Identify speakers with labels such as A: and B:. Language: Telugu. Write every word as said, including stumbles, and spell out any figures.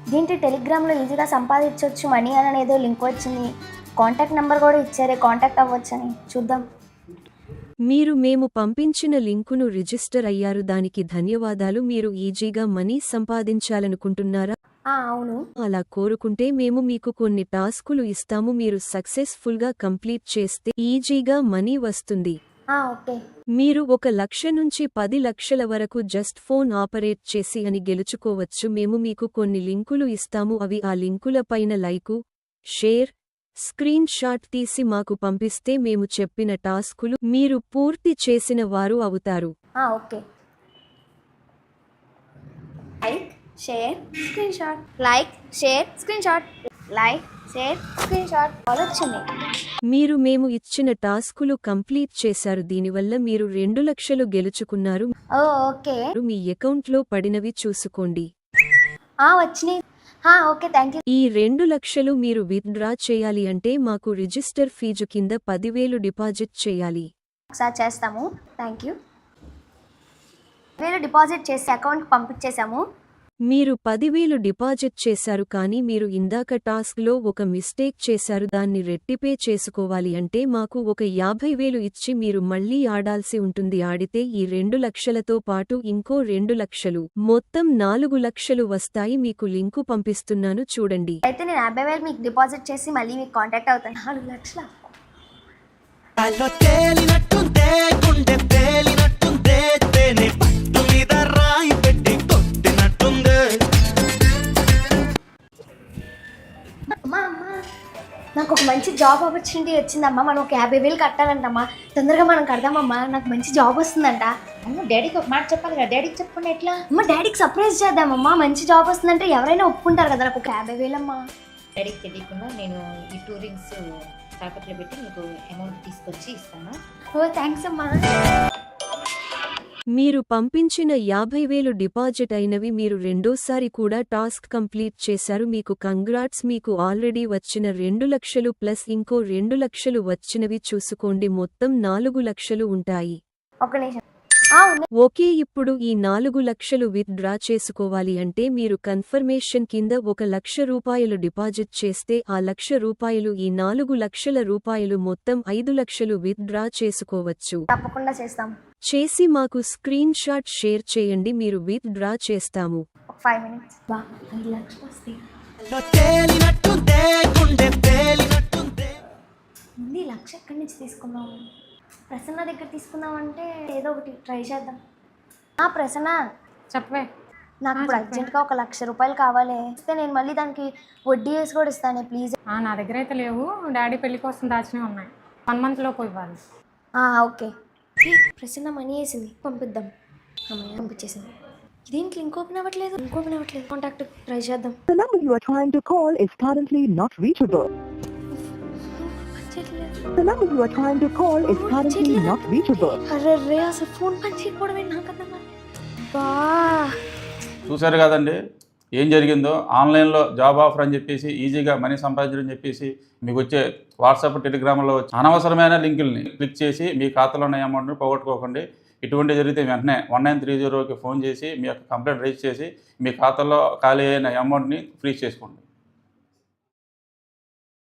A: దీంట్లో టెలిగ్రామ్లో ఈజీగా సంపాదించవచ్చు మనీ అని ఏదో లింక్ వచ్చింది. కాంటాక్ట్ నెంబర్ కూడా ఇచ్చారే, కాంటాక్ట్ అవ్వచ్చని. చూద్దాం.
B: మీరు మేము పంపించిన లింకును రిజిస్టర్ అయ్యారు, దానికి ధన్యవాదాలు. మీరు ఈజీగా మనీ సంపాదించాలనుకుంటున్నారా?
A: ఆ, అవును.
B: అలా కోరుకుంటే మేము మీకు కొన్ని టాస్కులు ఇస్తాము. మీరు సక్సెస్ఫుల్ గా కంప్లీట్ చేస్తే ఈజీగా మనీ వస్తుంది.
A: ఆ, ఓకే.
B: మీరు ఒక లక్ష నుంచి పది లక్షల వరకు జస్ట్ ఫోన్ ఆపరేట్ చేసి అని గెలుచుకోవచ్చు. మేము మీకు కొన్ని లింకులు ఇస్తాము. అవి ఆ లింకుల పైన లైకు, షేర్, స్క్రీన్ షాట్ తీసి మాకు పంపిస్తే మేము చెప్పిన టాస్కులు మీరు పూర్తి చేసిన వారు అవుతారు.
A: ఆ, okay. Like, share, screenshot. Like, share, screenshot. Like, share, screenshot. వచ్చింది.
B: మీరు మేము ఇచ్చిన టాస్కులు కంప్లీట్ చేశారు. దీనివల్ల మీరు రెండు లక్షలు గెలుచుకున్నారు.
A: ఓ, ఓకే.
B: మీ అకౌంట్లో పడినవి చూసుకోండి.
A: ఆ, వచ్చినాయి. ఆ, ఓకే, థ్యాంక్ యూ.
B: ఈ రెండు లక్షలు మీరు విత్డ్రా చేయాలి అంటే మాకు రిజిస్టర్ ఫీజు కింద పదివేలు డిపాజిట్ చేయాలి.
A: ఒకసారి చేస్తాము. Thank you. వేలు డిపాజిట్ చేసి అకౌంట్కి పంపించేశాము.
B: మీరు పదివేలు డిపాజిట్ చేశారు, కానీ మీరు ఇందాక టాస్క్లో ఒక మిస్టేక్ చేశారు. దాన్ని రెట్టిపే చేసుకోవాలి అంటే మాకు ఒక యాభై వేలు ఇచ్చి మీరు మళ్లీ ఆడాల్సి ఉంటుంది. ఆడితే ఈ రెండు లక్షలతో పాటు ఇంకో రెండు లక్షలు, మొత్తం నాలుగు లక్షలు వస్తాయి. మీకు లింకు పంపిస్తున్నాను, చూడండి.
A: అయితే నేను యాభై వేలు మీకు డిపాజిట్ చేసి మళ్ళీ మీకు కాంటాక్ట్ అవుతాను. నాలుగు లక్షల అమ్మా, అమ్మా, నాకు ఒక మంచి జాబ్ ఆపర్చునిటీ వచ్చిందమ్మా. మనం ఒక యాభై వేలు కట్టాలంటమ్మా. తొందరగా మనం కడదామమ్మా. నాకు మంచి జాబ్ వస్తుందంట.
C: అమ్మ, డాడీకి ఒక మాట చెప్పాలి కదా. డాడీకి చెప్పకుండా ఎట్లా?
A: అమ్మ, డాడీకి సర్ప్రైజ్ చేద్దామమ్మా. మంచి జాబ్ వస్తుందంటే ఎవరైనా ఒప్పుకుంటారు కదా. నాకు ఒక యాభై వేలమ్మా.
C: డాడీకి తెలియకుండా నేను ఈ టూ రింగ్స్ తాకట్లో పెట్టి మీకు అమౌంట్ తీసుకొచ్చి ఇస్తాను.
A: ఓ, థ్యాంక్స్ అమ్మా.
B: మీరు పంపించిన యాభై వేలు డిపాజిట్ అయినవి. మీరు రెండోసారి కూడా టాస్క్ కంప్లీట్ చేశారు. మీకు కంగ్రాట్స్. మీకు ఆల్రెడీ వచ్చిన రెండు లక్షలు ప్లస్ ఇంకో రెండు లక్షలు వచ్చినవి చూసుకోండి. మొత్తం నాలుగు లక్షలు ఉంటాయి.
A: ఒక నిమిషం. ఆ, ఉన్నాయి.
B: ఓకే, ఇప్పుడు ఈ నాలుగు లక్షలు విత్ డ్రా చేసుకోవాలి అంటే మీరు కన్ఫర్మేషన్ కింద ఒక లక్ష రూపాయలు డిపాజిట్ చేస్తే ఆ లక్ష రూపాయలు ఈ నాలుగు లక్షల రూపాయలు మొత్తం ఐదు లక్షలు విత్ డ్రా చేసుకోవచ్చు.
A: తప్పకుండా చేస్తాం.
B: చేసి మాకు స్క్రీన్ షాట్ షేర్ చేయండి. మీరు విత్ డ్రా చేస్తాము.
A: ఒక ఫైవ్ మినిట్స్. బా, ఐదు లక్షలు వస్తాయి. ముందు ఈ లక్ష ఎక్కడి నుంచి తీసుకుందాం? ప్రసన్న దగ్గర తీసుకుందాం అంటే ఏదో ఒకటి ట్రై చేద్దాం. ఆ, ప్రసన్న,
D: చెప్పవే.
A: నాకు ఇప్పుడు అర్జెంట్గా ఒక లక్ష రూపాయలు కావాలి. ఇస్తే నేను మళ్ళీ దానికి వడ్డీ వేసి కూడా ఇస్తాను, ప్లీజ్.
D: నా దగ్గర అయితే లేవు. డాడీ పెళ్లి కోసం దాచినవి ఉన్నాయి. వన్ మంత్ లోపు ఇవ్వాలి.
A: ఓకే. ప్రసన్న మనీ వేసింది, పంపిద్దాం. అమ్మాయి పంపించేసింది. దీంట్లో లింక్ ఓపెన్ అవ్వట్లేదు. లింక్ ఓపెన్ అవ్వట్లేదు. కాంటాక్ట్ ట్రై చేద్దాం.
E: The number you are trying to call is currently not reachable. The number you are trying to call is currently not reachable.
A: అరే రే, అసలు ఫోన్ పని చేయకపోవడం నాకు అర్థం కాదు. బా,
F: చూశారు కదండి ఏం జరిగిందో. ఆన్లైన్లో జాబ్ ఆఫర్ అని చెప్పేసి ఈజీగా మనీ సంపాదించడం చెప్పేసి మీకు వచ్చే వాట్సాప్, టెలిగ్రామ్లో వచ్చే అనవసరమైన లింకుల్ని క్లిక్ చేసి మీ ఖాతాలో ఉన్న అమౌంట్ని పోగొట్టుకోకండి. ఇటువంటి జరిగితే వెంటనే వన్ నైన్ త్రీ జీరోకి ఫోన్ చేసి మీ యొక్క కంప్లైంట్ రైజ్ చేసి మీ ఖాతాలో ఖాళీ అయిన అమౌంట్ని ఫ్రీజ్ చేసుకోండి.